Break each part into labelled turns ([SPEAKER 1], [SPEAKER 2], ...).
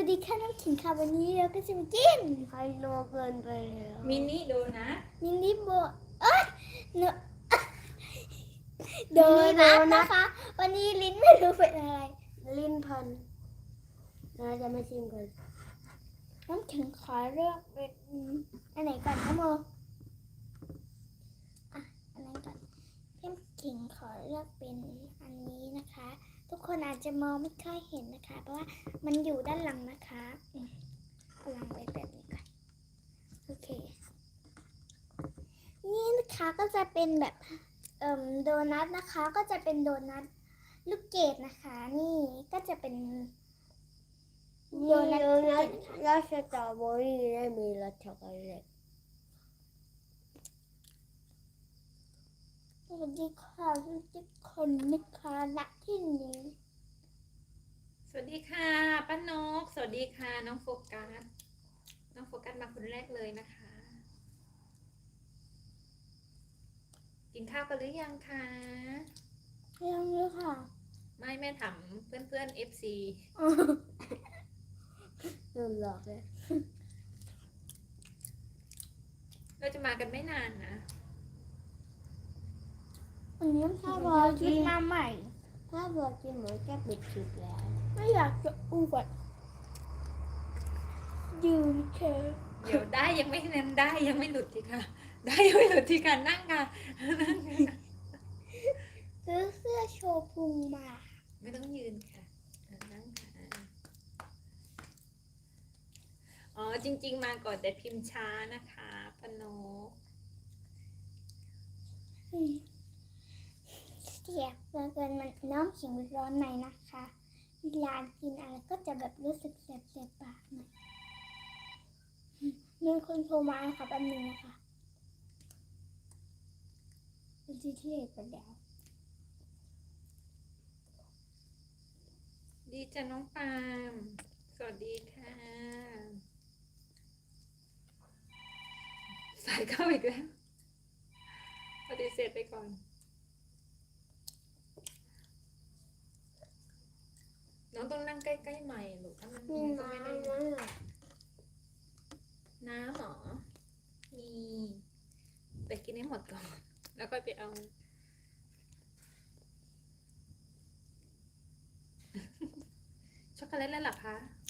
[SPEAKER 1] ดีค่ะน้ำขิงค่ะวันนี้เราก็จะมากิน
[SPEAKER 2] ไฮโลเกินไปแล้ว
[SPEAKER 3] มินิโดนะ
[SPEAKER 1] มินิโบเอ้ยเนอะโดนัทนะคะ วันนี้ลิ้นไม่รู้เป็นอะไร
[SPEAKER 2] ลิ้นพันเราจะมาชิมกัน
[SPEAKER 1] น้ำขิงขอเลือกเป็นอันไหนก่อนนะโมอ่ะอันนั้นก่อนน้ำขิงขอเลือกเป็นอันนี้นะคะ ทุกคนอาจจะมองไม่ค่อยเห็นนะคะ เพราะว่ามันอยู่ด้านหลังนะคะเอาวางไว้แบบนี้ก่อนโอเค นี่นะคะก็จะเป็นแบบโดนัทนะคะ ก็จะเป็นโดนัทลูกเกดนะคะ นี่ก็จะเป็นโดนัทลูกเกดนะคะ
[SPEAKER 2] รสสตรอเบอรี่และมีรสช็อกโกแลต
[SPEAKER 1] สวัสดีค่ะทุกคนนะคะณที่นี้
[SPEAKER 3] สวัสดีค่ะป้านกสวัสดีค่ะน้องโฟกัสน้องโฟกัสมาคนแรกเลยนะคะ กินข้าวกันหรือยังคะ
[SPEAKER 1] ยังเลยค่ะ
[SPEAKER 3] ไม่แม่ถามเพื่อนๆ FC
[SPEAKER 2] โดนหลอกเลย
[SPEAKER 3] เราจะมากันไม่นานนะ
[SPEAKER 1] อันนี้ถ้าบอคิดมาใหม่
[SPEAKER 2] ถ้าบอกกินหมูแก้ปิดคลิปแล้ว
[SPEAKER 1] ไม่อยากจะอวดยืนเฉย
[SPEAKER 3] เดี๋ยวได้ยังไม่เน้นได้ยังไม่หลุดทีค่ะ ได้ยังไม่หลุดทีค่ะนั่งค่ะนั่งค่ะ
[SPEAKER 1] ซื้อเสื้อโชว์พุงมา
[SPEAKER 3] ไม่ต้องยืนค่ะนั่งค่ะอ๋อจริงๆมาก่อนแต่พิมพ์ช้านะคะป้านก
[SPEAKER 1] เสียบเหลือเกินมันน้ำขิงร้อนในนะคะเวลากินอะไรก็จะแบบรู้สึกเสียบปากหน่อยมีคนโทรมาค่ะแป๊บนึงนะคะเป็นที่ไปแล้ว
[SPEAKER 3] ดีจ้ะน้องปาล์มสวัสดีค่ะสายเข้าอีกแล้วปฏิเสธไปก่อนน้องต้องนั่งใกล้ๆใหม่ลูกถ้ามัน
[SPEAKER 2] มี
[SPEAKER 3] ก็ไม่ได้
[SPEAKER 2] น้ำนะ
[SPEAKER 3] น้ำหรอมีไปกินให้หมดก่อนแล้วก็ไปเอา ช็อกโกแลตแล้วเหรอคะ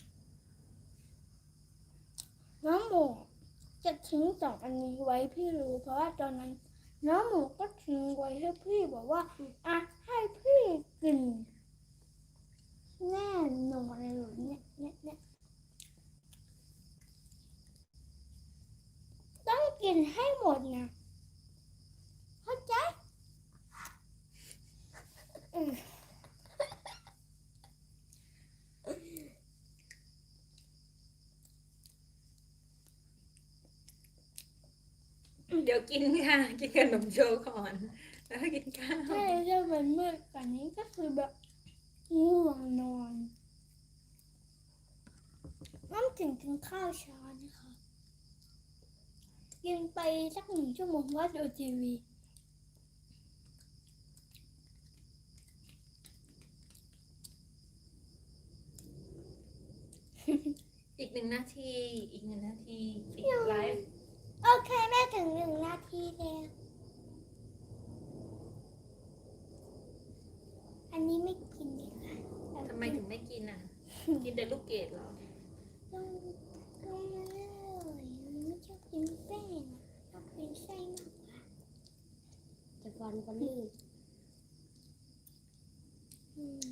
[SPEAKER 1] น้องหมูจะทิ้งสองอันนี้ไว้พี่รู้เพราะว่าตอนนั้นน้องหมูก็ทิ้งไว้ให้พี่บอกว่าอ่ะให้พี่กินแน่นอนเลยเนี่ยต้องกินให้หมดนะเข้าใจอืม
[SPEAKER 3] เดี๋ยวกินค่ะ กินขนมโชว์ก่อน แล้วก็กินข้าว
[SPEAKER 1] ถ้าจะเป็นมืดกว่านี้ก็คือแบบง่วงนอนน้ำถึงกินข้าวเช้านะคะกินไปสัก1 ชั่วโมงว่าดูทีวี
[SPEAKER 3] อีก1 นาที อีก1 นาทีปิดไลฟ์
[SPEAKER 1] โอเคแม่ถึง1 นาทีแล้วอันนี้ไม่กินดีกว่า
[SPEAKER 3] ทำไมถึงไม่กินอ่ะ กินแต่ลูกเกดเหรอ
[SPEAKER 1] ลงมาเลยไม่ชอบกินแป้งชอบกินไส้มากกว่า
[SPEAKER 2] จะฟันก็ลื่น
[SPEAKER 1] อืม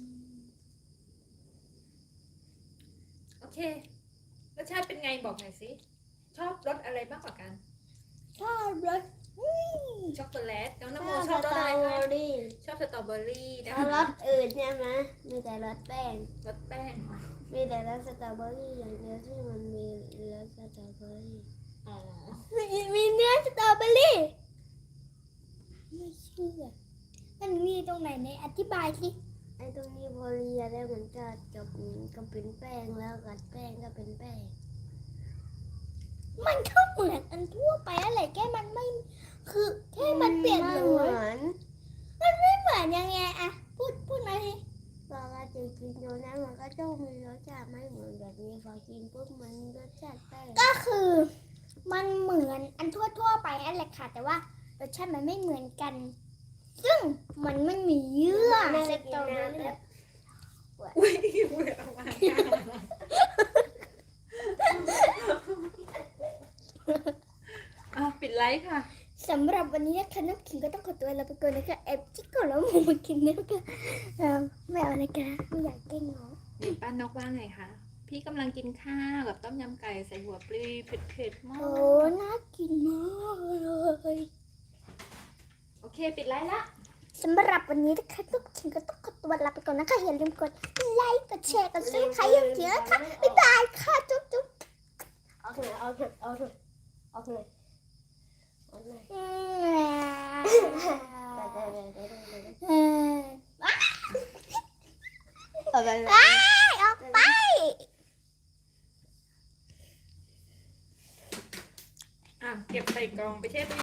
[SPEAKER 3] โอเค รสชาติเป็นไงบอกหน่อยสิ ชอบรสอะไรมากกว่ากัน
[SPEAKER 1] ชอบรส
[SPEAKER 3] ช็อกโกแลต น้องน
[SPEAKER 2] ช
[SPEAKER 3] โม
[SPEAKER 2] อบ
[SPEAKER 3] ช
[SPEAKER 2] ส
[SPEAKER 3] อบร
[SPEAKER 2] ต
[SPEAKER 3] ส
[SPEAKER 2] รอ
[SPEAKER 3] อะไร
[SPEAKER 2] เบอ
[SPEAKER 3] คะ
[SPEAKER 2] รี่
[SPEAKER 3] ชอบสตรอเบอรี่นะ
[SPEAKER 2] ถ้าร
[SPEAKER 3] คะ
[SPEAKER 2] สอื่นใช่ไหมมีแต่รสแป้ง
[SPEAKER 3] รสแป้ง
[SPEAKER 2] มีแต่รสสตรอเบอรี่อย่างเดียวที่มันมีรสสตรอเบอรี่
[SPEAKER 3] อ๋อ
[SPEAKER 1] มีเนื้อสตรอเบอรี่ไม่เชื่อมันมีตรงไหนในอธิบายสิ
[SPEAKER 2] ไอ้ตรงนี้พอเรียแล้วมันก็จะก็เป็นแป้งแล้วกัดแป้งก็เป็นแป้ง
[SPEAKER 1] มันก็เหมือนอันทั่วไปอะไรแค่มันไม่คือแค่มันเปลี่ยน
[SPEAKER 2] ไม่
[SPEAKER 1] เล
[SPEAKER 2] เหมื
[SPEAKER 1] ย
[SPEAKER 2] อน
[SPEAKER 1] มันไม่เหมือนยังไงอะพูดมาสิ
[SPEAKER 2] ปกติกินกินโดนัทมันก็ต้องมีรสชาติไม่เหมือนแบบนี้พอกินปุ๊บมันรสชาติแป้ง
[SPEAKER 1] ก็คือมันเหมือนอันทั่วๆไปนั่นแหละค่ะ แต่ว่ารสชาติมันไม่เหมือนกัน ซึ่งมันไม่มีเยื่อ
[SPEAKER 2] แม่
[SPEAKER 1] ส
[SPEAKER 2] จะ
[SPEAKER 1] ต
[SPEAKER 2] กิ
[SPEAKER 1] ร
[SPEAKER 2] น
[SPEAKER 1] อเบอ
[SPEAKER 2] น้ำ
[SPEAKER 1] รี่
[SPEAKER 2] แบบ
[SPEAKER 3] อุ้ยเบื่อมากปิดไลฟ์ค่ะ
[SPEAKER 1] สำหรับวันนี้นะคะน้ำขิงก็ต้องขอตัวลาไปก่อนนะคะแอบจิ๊กก่อนแล้วหมูมากินนะคะไม่เอานะคะไม่อยากแกล้งน้อง
[SPEAKER 3] เดี๋ยวป้านกว่าไงคะ พี่กำลังกินข้าวกับต้มยำไก่ใส่หัวปลีเผ็ดๆมาก
[SPEAKER 1] โอ้น่ากินมากเลย
[SPEAKER 3] โอเค ปิดไลฟ์ละ
[SPEAKER 1] สำหรับวันนี้นะคะน้ำขิงก็ต้องขอตัวลาไปก่อนนะคะอย่าลืมกดไลค์กดแชร์กดซับสไครต์อย่างเยอะค่ะบ๊ายบายค่ะจุ๊บจุ๊บ
[SPEAKER 2] เอาเถอะเอาเถอะเอาเถอะเอาเถอะเอาเลย เอาไปเลย
[SPEAKER 1] ออกไป
[SPEAKER 3] เก็บใส่กล่องไปเช็ด